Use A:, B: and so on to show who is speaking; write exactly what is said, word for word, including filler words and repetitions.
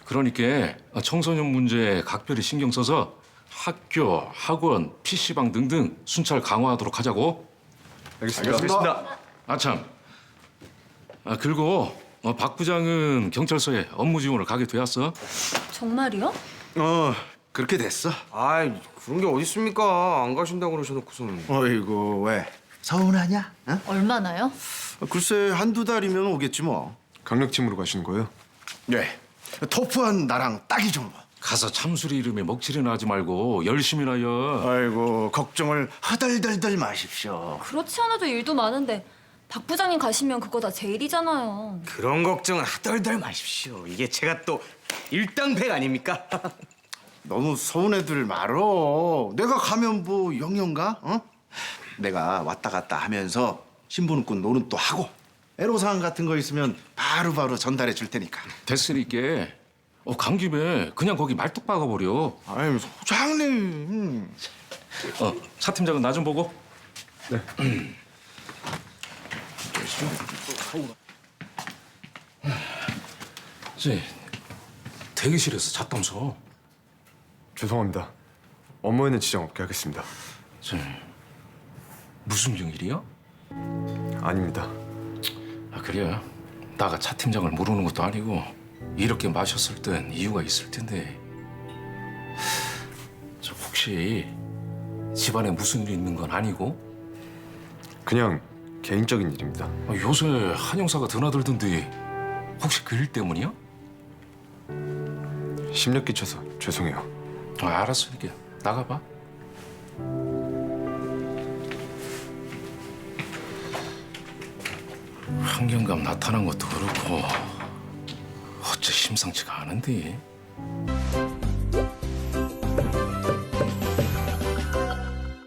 A: 그러니까 청소년 문제에 각별히 신경 써서 학교, 학원, 피시방 등등 순찰 강화하도록 하자고.
B: 알겠습니다. 알겠습니다.
A: 아참. 아 그리고 어, 박 부장은 경찰서에 업무 지원을 가게 되었어.
C: 정말이요?
D: 어, 그렇게 됐어.
B: 아이, 그런 게 어디 있습니까? 안 가신다고 그러셔놓고서는.
D: 어이구, 왜? 서운하냐? 어?
C: 얼마나요?
D: 글쎄, 한두 달이면 오겠지 뭐.
E: 강력침으로 가시는 거예요?
D: 네. 토프한 나랑 딱이죠 뭐.
A: 가서 참수리 이름에 먹칠이나 하지 말고 열심히나 해.
D: 아이고, 걱정을 허덜덜덜 마십시오.
C: 그렇지 않아도 일도 많은데 박 부장님 가시면 그거 다 제 일이잖아요.
B: 그런 걱정은 하덜덜 마십시오. 이게 제가 또 일당백 아닙니까?
D: 너무 서운해들 말어. 내가 가면 뭐 영영가? 어? 내가 왔다 갔다 하면서 신부는꾼 노릇도 하고 애로사항 같은 거 있으면 바로바로 전달해 줄 테니까.
A: 됐으니까 어, 간 김에 그냥 거기 말뚝 박아버려.
D: 아유, 소장님.
A: 어, 차 팀장은 나 좀 보고. 네. 대기실에서 잤다면서.
E: 죄송합니다. 업무에는 지장 없게 하겠습니다.
A: 저, 무슨 경일이야?
E: 아닙니다.
A: 아 그래. 나가 차 팀장을 모르는 것도 아니고 이렇게 마셨을 땐 이유가 있을 텐데. 저 혹시 집안에 무슨 일이 있는 건 아니고?
E: 그냥 개인적인 일입니다.
A: 아, 요새 한 형사가 드나들던데 혹시 그 일 때문이야?
E: 심력 끼쳐서 죄송해요.
A: 아, 알았으니까 나가봐. 환경감 나타난 것도 그렇고 어째 심상치가 않은데.